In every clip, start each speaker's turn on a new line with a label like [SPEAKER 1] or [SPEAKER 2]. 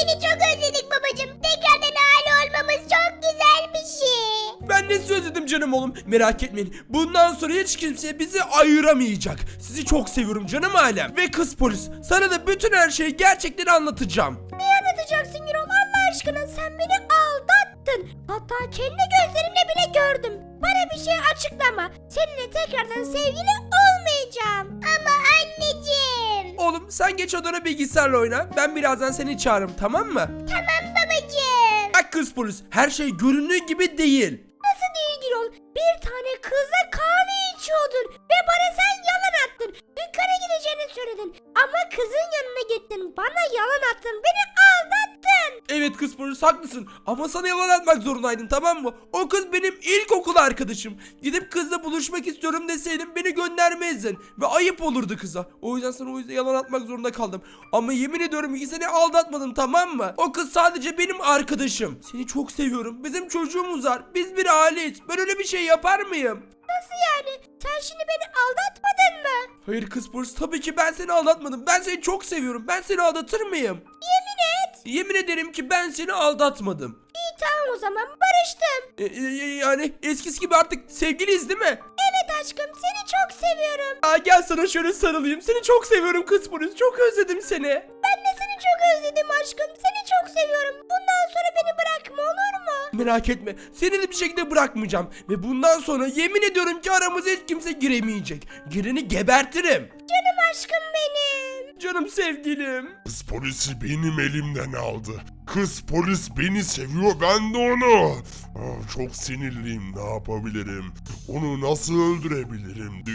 [SPEAKER 1] seni çok özledik babacığım. Tekrardan aile olmamız çok güzel bir şey.
[SPEAKER 2] Ben de sizi özledim canım oğlum. Merak etmeyin. Bundan sonra hiç kimse bizi ayıramayacak. Sizi çok seviyorum canım ailem. Ve kız polis, sana da bütün her şeyi gerçekten anlatacağım.
[SPEAKER 1] Ne anlatacaksın Gürol? Allah aşkına sen beni aldattın. Hatta kendi gözlerimle bile gördüm. Bana bir şey açıklama. Seninle tekrardan sevgili olmayacağım. Ama anneciğim.
[SPEAKER 2] Oğlum sen geç odana bilgisayarla oyna. Ben birazdan seni çağırırım, tamam mı?
[SPEAKER 1] Tamam babacığım.
[SPEAKER 2] Bak kız polis, her şey göründüğü gibi değil.
[SPEAKER 1] Nasıl değil Gürol? Bir tane kızla kahve içiyordun ve bana sen yalan attın. Dükkana gideceğini söyledin. Ama kızın yanına gittin. Bana yalan attın. Beni aldattın.
[SPEAKER 2] Evet kız polis, haklısın ama sana yalan atmak zorundaydım, tamam mı? O kız benim ilkokul arkadaşım. Gidip kızla buluşmak istiyorum deseydim beni göndermezdin ve ayıp olurdu kıza. O yüzden sana yalan atmak zorunda kaldım. Ama yemin ediyorum ki seni aldatmadım, tamam mı? O kız sadece benim arkadaşım. Seni çok seviyorum. Bizim çocuğumuz var. Biz bir aileyiz. Ben öyle bir şey yapar mıyım?
[SPEAKER 1] Nasıl yani? Sen şimdi beni aldatmadın mı?
[SPEAKER 2] Hayır kız polis, tabii ki ben seni aldatmadım. Ben seni çok seviyorum. Ben seni aldatır mıyım?
[SPEAKER 1] Yemin et.
[SPEAKER 2] Yemin ederim ki ben seni aldatmadım.
[SPEAKER 1] İyi tamam o zaman barıştım.
[SPEAKER 2] Yani eskisi gibi artık sevgiliyiz değil mi?
[SPEAKER 1] Evet aşkım seni çok seviyorum.
[SPEAKER 2] Gel sana şöyle sarılayım. Seni çok seviyorum kız polis. Çok özledim seni.
[SPEAKER 1] Ben de seni çok özledim aşkım. Seni çok seviyorum. Bundan sonra beni bırakma olur mu?
[SPEAKER 2] Merak etme. Seni de bir şekilde bırakmayacağım. Ve bundan sonra yemin ediyorum ki aramıza hiç kimse giremeyecek. Gireni gebertirim.
[SPEAKER 1] Canım aşkım benim.
[SPEAKER 2] Canım sevgilim.
[SPEAKER 3] Kız polisi benim elimden aldı. Kız polis beni seviyor, ben de onu. Çok sinirliyim, ne yapabilirim? Onu nasıl öldürebilirim?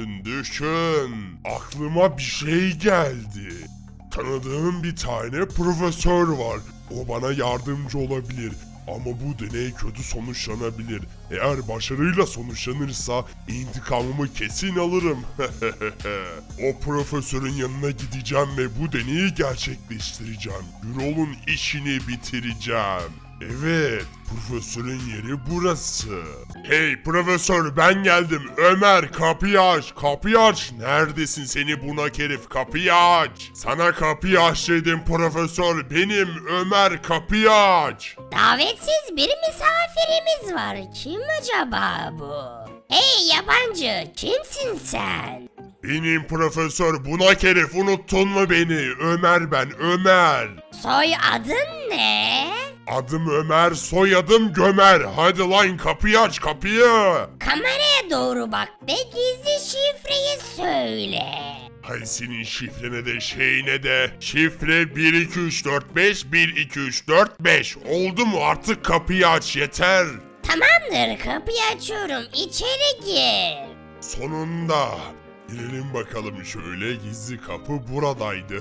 [SPEAKER 3] Düşün. Aklıma bir şey geldi. Tanıdığım bir tane profesör var. O bana yardımcı olabilir. Ama bu deney kötü sonuçlanabilir. Eğer başarıyla sonuçlanırsa intikamımı kesin alırım. O profesörün yanına gideceğim ve bu deneyi gerçekleştireceğim. Gürol'un işini bitireceğim. Evet, profesörün yeri burası. Hey profesör, ben geldim. Ömer, kapıyı aç. Neredesin seni bunak herif, kapıyı aç. Sana kapıyı aç dedim profesör. Benim Ömer, kapıyı aç.
[SPEAKER 1] Davetsiz bir misafirimiz var. Kim acaba bu? Hey yabancı, kimsin sen?
[SPEAKER 3] Benim profesör bunak herif, unuttun mu beni? Ömer ben, Ömer.
[SPEAKER 1] Soy adın ne?
[SPEAKER 3] Adım Ömer, soyadım Gömer. Hadi lan kapıyı aç, kapıyı.
[SPEAKER 1] Kameraya doğru bak ve gizli şifreyi söyle.
[SPEAKER 3] Hay senin şifrene de şeyine de. Şifre 12345 12345. Oldu mu, artık kapıyı aç yeter.
[SPEAKER 1] Tamamdır, kapıyı açıyorum. İçeri gir.
[SPEAKER 3] Sonunda. Girelim bakalım şöyle, gizli kapı buradaydı.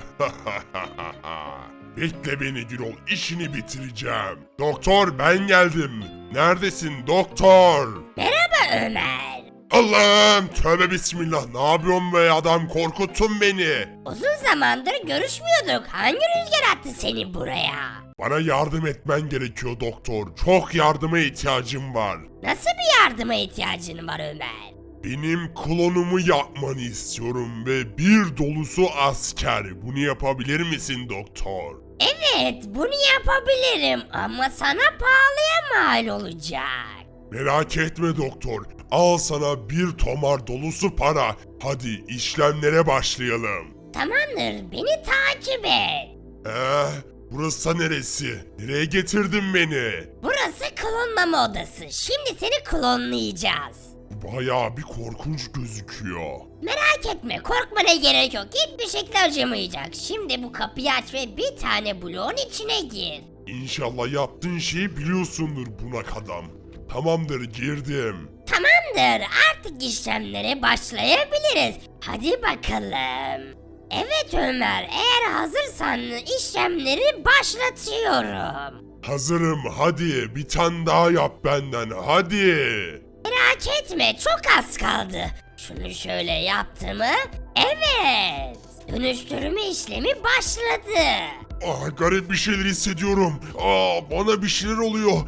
[SPEAKER 3] Bekle beni Gürol, işini bitireceğim. Doktor ben geldim. Neredesin doktor?
[SPEAKER 1] Merhaba Ömer.
[SPEAKER 3] Allah'ım, tövbe bismillah, ne yapıyorsun be adam, korkuttun beni.
[SPEAKER 1] Uzun zamandır görüşmüyorduk. Hangi rüzgar attı seni buraya?
[SPEAKER 3] Bana yardım etmen gerekiyor doktor. Çok yardıma ihtiyacım var.
[SPEAKER 1] Nasıl bir yardıma ihtiyacın var Ömer?
[SPEAKER 3] Benim klonumu yapmanı istiyorum ve bir dolusu asker. Bunu yapabilir misin doktor?
[SPEAKER 1] Evet, bunu yapabilirim ama sana pahalıya mal olacak.
[SPEAKER 3] Merak etme doktor. Al sana bir tomar dolusu para. Hadi işlemlere başlayalım.
[SPEAKER 1] Tamamdır, beni takip et.
[SPEAKER 3] Burası neresi? Nereye getirdin beni?
[SPEAKER 1] Burası klonlama odası. Şimdi seni klonlayacağız.
[SPEAKER 3] Bayağı bir korkunç gözüküyor.
[SPEAKER 1] Merak etme, korkmana gerek yok. Hiçbir şekilde acımayacak. Şimdi bu kapıyı aç ve bir tane bloğun içine gir.
[SPEAKER 3] İnşallah yaptığın şeyi biliyorsundur bunak adam. Tamamdır, girdim.
[SPEAKER 1] Tamamdır, artık işlemlere başlayabiliriz. Hadi bakalım. Evet Ömer, eğer hazırsan işlemleri başlatıyorum.
[SPEAKER 3] Hazırım, hadi bir tane daha yap benden, hadi.
[SPEAKER 1] Merak etme, çok az kaldı. Şunu şöyle yaptı mı? Evet. Dönüştürme işlemi başladı.
[SPEAKER 3] Garip bir şeyler hissediyorum. Bana bir şeyler oluyor.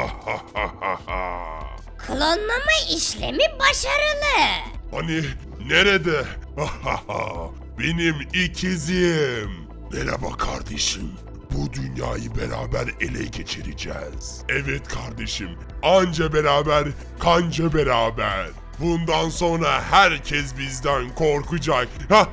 [SPEAKER 1] Klonlama işlemi başarılı.
[SPEAKER 3] Hani nerede? Benim ikizim. Merhaba kardeşim. Bu dünyayı beraber ele geçireceğiz. Evet kardeşim. Anca beraber, kanca beraber. Bundan sonra herkes bizden korkacak.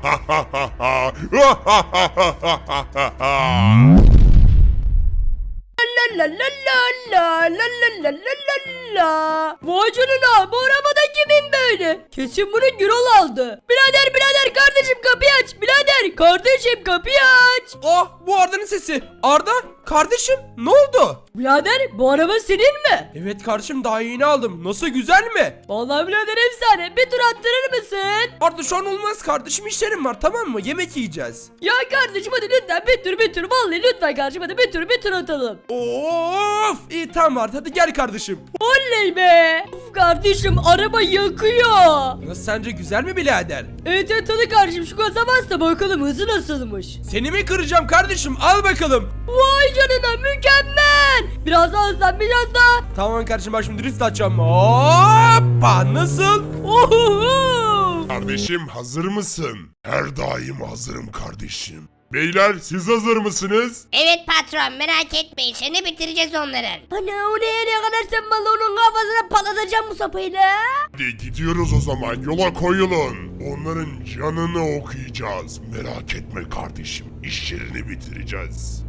[SPEAKER 1] La la la la la la la la la. Vay canına, bu arabada kimin böyle? Kesin bunu Gürol aldı. Birader kardeşim kapıyı aç. Birader kardeşim kapıyı aç.
[SPEAKER 2] Ah, bu Arda'nın sesi. Arda kardeşim, ne oldu?
[SPEAKER 1] Birader bu araba senin mi?
[SPEAKER 2] Evet kardeşim, daha yeni aldım. Nasıl, güzel mi?
[SPEAKER 1] Vallahi birader efsane. Bir tur attırır mısın?
[SPEAKER 2] Arda şu an olmaz kardeşim, işlerim var, tamam mı? Yemek yiyeceğiz.
[SPEAKER 1] Ya kardeşim hadi lütfen bir tur. Vallahi lütfen kardeşim hadi bir tur atalım.
[SPEAKER 2] Of, iyi tamam Arda, hadi gel kardeşim.
[SPEAKER 1] Oley be. Uf kardeşim araba yakıyor.
[SPEAKER 2] Nasıl, sence güzel mi birader?
[SPEAKER 1] Evet hadi kardeşim şu gaza bas da bakalım hızı nasılmış.
[SPEAKER 2] Seni mi kıracağım kardeşim, al bakalım.
[SPEAKER 1] Vay canına mükemmel. Biraz daha hızlan biraz daha.
[SPEAKER 2] Tamam kardeşim, bak şimdi drift atacağım. Hoppa, nasıl?
[SPEAKER 1] Ohoho.
[SPEAKER 3] Kardeşim hazır mısın? Her daim hazırım kardeşim. Beyler siz hazır mısınız?
[SPEAKER 4] Evet patron merak etme işini bitireceğiz onların.
[SPEAKER 1] Ana o ne kadar sen balonun kafasına patlatacağım bu sapıyla.
[SPEAKER 3] Hadi gidiyoruz o zaman, yola koyulun. Onların canını okuyacağız. Merak etme kardeşim, işlerini bitireceğiz.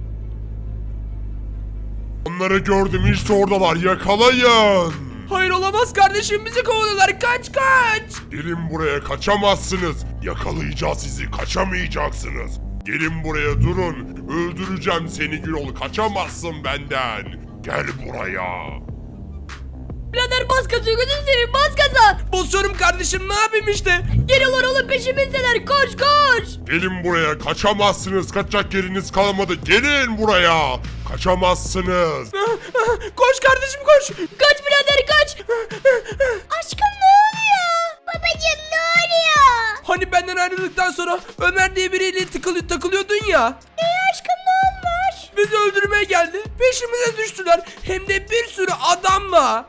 [SPEAKER 3] Onları gördüm, işte oradalar, yakalayın.
[SPEAKER 2] Hayır, olamaz kardeşim, bizi kovalıyorlar, kaç.
[SPEAKER 3] Gelin buraya, kaçamazsınız. Yakalayacağız sizi, kaçamayacaksınız. Gelin buraya, durun. Öldüreceğim seni Gürol, kaçamazsın benden. Gel buraya.
[SPEAKER 1] Birader bas gaza gözünü seveyim bas gaza.
[SPEAKER 2] Basıyorum kardeşim, ne yapayım işte.
[SPEAKER 1] Geliyorlar oğlum peşimizdeler koş.
[SPEAKER 3] Gelin buraya, kaçamazsınız. Kaçacak yeriniz kalmadı. Gelin buraya. Kaçamazsınız.
[SPEAKER 2] Koş kardeşim, koş.
[SPEAKER 1] Kaç birader kaç.
[SPEAKER 4] Aşkım ne oluyor? Babacım ne oluyor?
[SPEAKER 2] Hani benden ayrıldıktan sonra Ömer diye biriyle takılıyordun ya.
[SPEAKER 4] Aşkım ne olmuş?
[SPEAKER 2] Bizi öldürmeye geldi. Peşimize düştüler. Hem de bir sürü adamla.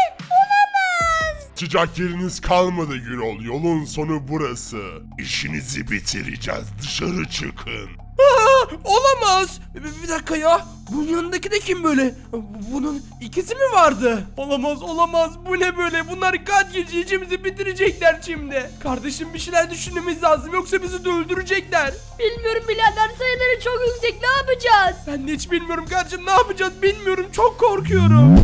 [SPEAKER 3] Kaçacak yeriniz kalmadı Gürol. Yolun sonu burası. İşinizi bitireceğiz. Dışarı çıkın.
[SPEAKER 2] Olamaz. Bir dakika ya. Bunun yanındaki de kim böyle? Bunun ikisi mi vardı? Olamaz. Bu ne böyle? Bunlar kaç gece içimizi bitirecekler şimdi. Kardeşim, bir şeyler düşünmemiz lazım. Yoksa bizi de öldürecekler.
[SPEAKER 1] Bilmiyorum birader sayıları çok yüksek ne yapacağız?
[SPEAKER 2] Ben de hiç bilmiyorum kardeşim. Ne yapacağız bilmiyorum. Çok korkuyorum.